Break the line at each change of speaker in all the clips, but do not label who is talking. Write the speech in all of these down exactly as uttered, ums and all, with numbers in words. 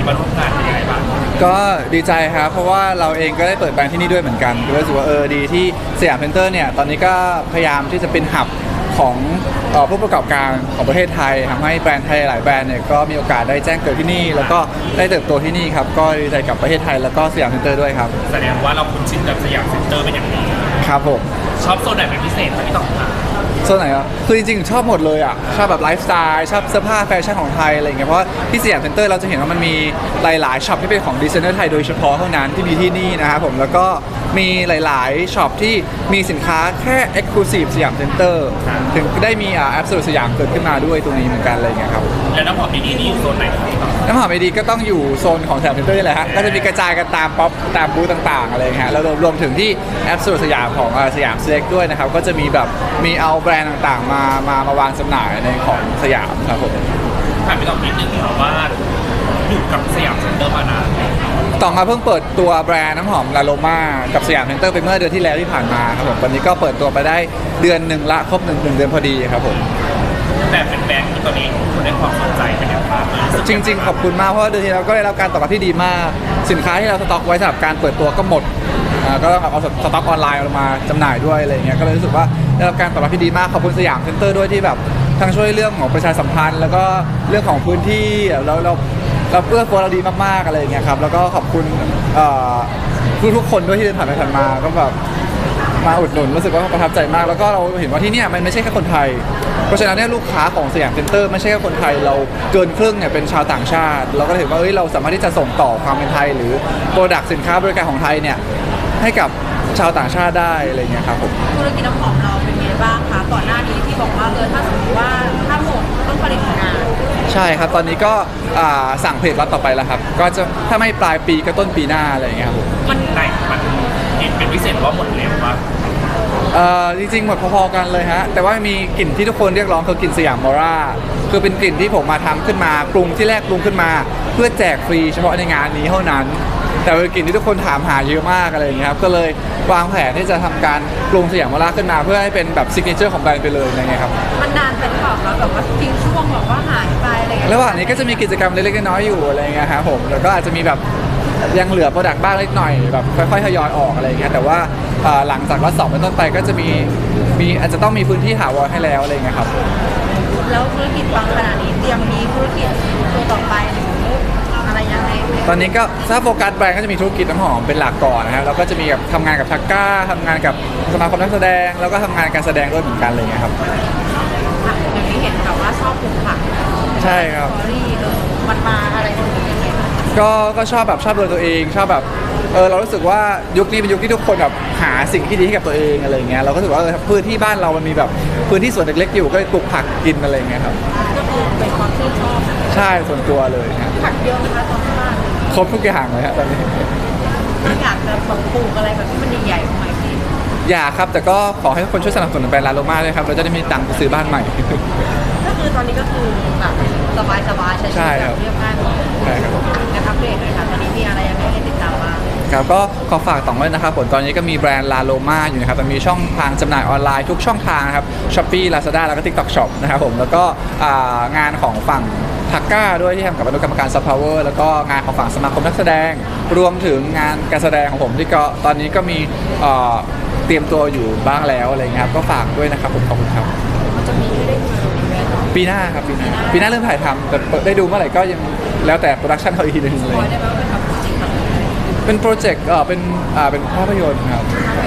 มาร่วมงานเป็นยังไงบ้าง
ก็ดีใจครับเพราะว่าเราเองก็ได้เปิดแบรนด์ที่นี่ด้วยเหมือนกันก็รู้สึกว่าเออดีที่สยามเซ็นเตอร์เนี่ยตอนนี้ก็พยายามที่จะเป็นหับของผู้ประกอบการของประเทศไทยทำให้แบรนด์ไทยหลายแบรนด์เนี่ยก็มีโอกาสได้แจ้งเกิดที่นี่แล้วก็ได้เติบโตที่นี่ครับก็ดีใจกับประเทศไทยแล้วก็สยามเซ็นเตอร์ด้วยครับ
แสดงว่าเราคุ้นชินกับสยามเซ็นเตอร์เป็นอย่างดี
ครับผม
ชอบโซนไหนเป็นพิเศษไหมพี่ต่อค่ะ
โซนไหนอ่ะคือจริงๆชอบหมดเลยอ่ะชอบแบบไลฟ์สไตล์ชอบเสื้อผ้าแฟชั่นของไทยอะไรเงี้ยเพราะที่สยามเซ็นเตอร์เราจะเห็นว่ามันมีหลายๆช็อปที่เป็นของดีไซเนอร์ไทยโดยเฉพาะเท่านั้นที่มีที่นี่นะครับผมแล้วก็มีหลายๆช็อปที่มีสินค้าแค่ Exclusive สยามเซ็นเตอร์ถึงได้มีอ่าแอปสุดสยามเกิดขึ้นมาด้วยตรงนี้เหมือนกันอะไรเงี้ยครับ
แล้วน้ำหอมดีๆนี่อยู่โซนไหน
น้ำหอมดีๆก็ต้องอยู่โซนของสยามเซ็นเตอร์นี่แหละฮะก็จะมีกระจายกันตามป๊อปตามบูธต่างๆอะไรเงี้ยแล้วรวมถึงที่แอปสุดสยามของสยามเซ็กด้วยนะครับก็จะมีแบบมีเอาแบรนด์ต่างๆมามามาวางจำหน่ายในของสยามครับผม
ถามพี่ต่อนิดนึงครับว่าอยู่กับสยามเซ็นเตอร์มานาน
ต่อมาเพิ่งเปิดตัวแบรนด์น้ำหอมลาโลมากับสยามเซ็นเตอร์ไปเมื่อเดือนที่แล้วที่ผ่านมาครับผมวันนี้ก็เปิดตัวไปได้เดือนหนึ่งละครบหนึ่งหนึ่งเดือนพอดีครับผม
แต่เป็นแบรนด์ที่ตอนนี้คนได้ความสนใจเป็นอย่างมาก
จริงๆขอบคุณมากเพราะว่าเดือนที่แล้วก็ได้รับการตอบรับที่ดีมากสินค้าที่เราสต็อกไว้สำหรับการเปิดตัวก็หมดก็ต้องเอาสต็อกออนไลน์มาจำหน่ายด้วยอะไรเงี้ยก็เลยรู้สึกว่าได้รับการตอบรับที่ดีมากขอบคุณสยามเซ็นเตอร์ด้วยที่แบบทั้งช่วยเรื่องของประชาสัมพันธ์แล้วก็เรื่องของพื้นที่แล้วเราเราเอื้อเฟื้อเราดีมากๆอะไรอย่างเงี้ยครับแล้วก็ขอบคุณทุกทุกคนด้วยที่เดินผ่านไปผ่านมาก็แบบมาอุดหนุนรู้สึกว่าประทับใจมากแล้วก็เราเห็นว่าที่นี่มันไม่ใช่แค่คนไทยเพราะฉะนั้นเนี่ยลูกค้าของสยามเซ็นเตอร์ไม่ใช่แค่คนไทยเราเกินครึ่งเนี่ยเป็นชาวต่างชาติเราก็เห็นว่าเฮ้ยเราสามารถที่จะส่งต่อความเป็นไทยหรือโปรดักต์สินค้าบริการของไทยเนี่ยให้กับชาวต่างชาติได้อะไรเงี้ยครับผม
ธุรกิจน้ำหอมเราเป็นไงบ้างคะก่อนหน้านี้ที่บอกว่าเออถ้าสมมติว่าถ้าหมดต้องผลิตงาน
ใช่ครับตอนนี้ก็สั่งผลิตล็อตต่อไปแล้วครับก็จะถ้าไม่ปลายปีก็ต้นปีหน้าอะไรเงี้ยครับผม
มันไหนมันเป็นพิเศษว่าหมดเร็วมาก
เอ่อจริงๆหมดพอๆกันเลยฮะแต่ว่ามีกลิ่นที่ทุกคนเรียกร้องคือกลิ่นสยามมอร่าคือเป็นกลิ่นที่ผมมาทำขึ้นมาปรุงที่แรกปรุงขึ้นมาเพื่อแจกฟรีเฉพาะในงานนี้เท่านั้นแต่เป็นกลิ่นที่ทุกคนถามหาเยอะมากอะไรอย่างเงี้ยครับก็เลยวางแผนที่จะทำการปรุงสยามมอร่าขึ้นมาเพื่อให้เป็นแบบซิกเนเจอร์ของแบรนด์ไปเลยอะไรเงี้ยครับ
มันนานเป็นเปล่าแล้วแบบว่าทิ้งช่วงแบบว่าหายไปอะไรเงี้ย
ระหว่างนี้ก็จะมีกิจกรรมเล็กๆน้อยๆอยู่อะไรเงี้ยครับผมแล้วก็อาจจะมีแบบยังเหลือโปรดักต์บ้างเล็กหน่อยแบบค่อยๆทยอยออกอะไรอย่างเงี้ยแต่ว่าหลังจากล็อตสองเป็นต้นไปก็จะมีมีอาจจะต้องมีพื้นที่ถาวรให้แล้วอะไรเงี้ยครับ
แล้วธุรกิจบางขนาดนี้เตรียมมีธุรกิจตัวต่อไปหรืออะไรยังไง
ตอนนี้ก็ถ้าโฟกัสแบรนด์ก็จะมีธุรกิจน้ำหอมเป็นหลักก่อนนะครับแล้วก็จะมีแบบทำงานกับทักก้าทำงานกับสมาคมนักแสดงแล้วก็ทำงานการแสดงด้วยเหมือนกันอะไรเงี้ยครับ
อย่างนี้เห็นแบบว่าชอบปลูกผัก
ใช่ครับ
มันมาอะไรตรงนี้ยังไง
ก็ก็ชอบแบบชอบโดยตัวเองชอบแบบเออเรารู้สึกว่ายุคนี้เป็นยุคที่ทุกคนแบบหาสิ่งที่ดีให้กับตัวเองอะไรเงี้ยเราก็รู้สึกว่าเออพื้นที่บ้านเรามันมีแบบพื้นที่สวนเล็กๆอยู่ก็ปลูกผักกินอะไรเงี้ยครับ
ก็คือเป็นความชื่นชอบ
ใช่ส่วนตัวเลย
ครับผักเยอะนะคะตอนบ้าน
ครบทุกอย่างเลยฮะตอนนี้
อยากจะปลูกอะไรแบบที่มันใหญ่ๆใหม่ที่
อยากครับแต่ก็ขอให้คนช่วยสนับสนุนแบรนด์ลาโลมาด้วยครับเราจะได้มีตังค์ไปซื้อบ้านใหม่
ก็คือตอนนี้ก็คือแบบสบายๆใช้ชีวิตแบบเรียบง่าย
ใช่ครับ
นะครับเบรกเลยค่ะตอนนี้มีอะไรยังไงให้ติดตามบ้าง
ครับก็ขอฝากต่อไว้นะครับผลตอนนี้ก็มีแบรนด์ลาโลมาอยู่นะครับมันมีช่องทางจำหน่ายออนไลน์ทุกช่องทางนะครับ Shopee Lazada แล้วก็ TikTok Shop นะครับผมแล้วก็งานของฝั่งทักก้าด้วยที่ทำกับอนุกรรมการ Soft Power แล้วก็งานของฝั่งสมาคมนักแสดงรวมถึงงานการแสดงของผมที่ก็ตอนนี้ก็มีเตรียมตัวอยู่บ้างแล้วอะไรเงี้ยครับก็ฝากด้วยนะครับผมขอบคุณครับ
มันจะมีให้ได้ดู
ปีหน้าครับปีหน้าปีหน้าเริ่มถ่ายทำแต่ได้ดูเมื่อไหร่ก็ยังแล้วแต่โปรดักชันเขาอีกทีนึงเลยเป็นโปรเจกต์เออเป็นอ่าเป็นภาพยนตร์ครับ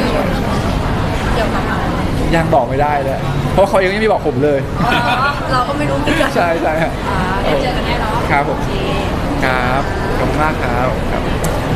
ยังบอกไม่ได้เลยเพราะเขายังไม่บอกผมเลย
เราก็ไม่รู้เหมือนกัน
ใช่ใช่
ครับเดี๋ยวเจอกันแน่เนาะ
ครับผมครับขอบคุณมากครับ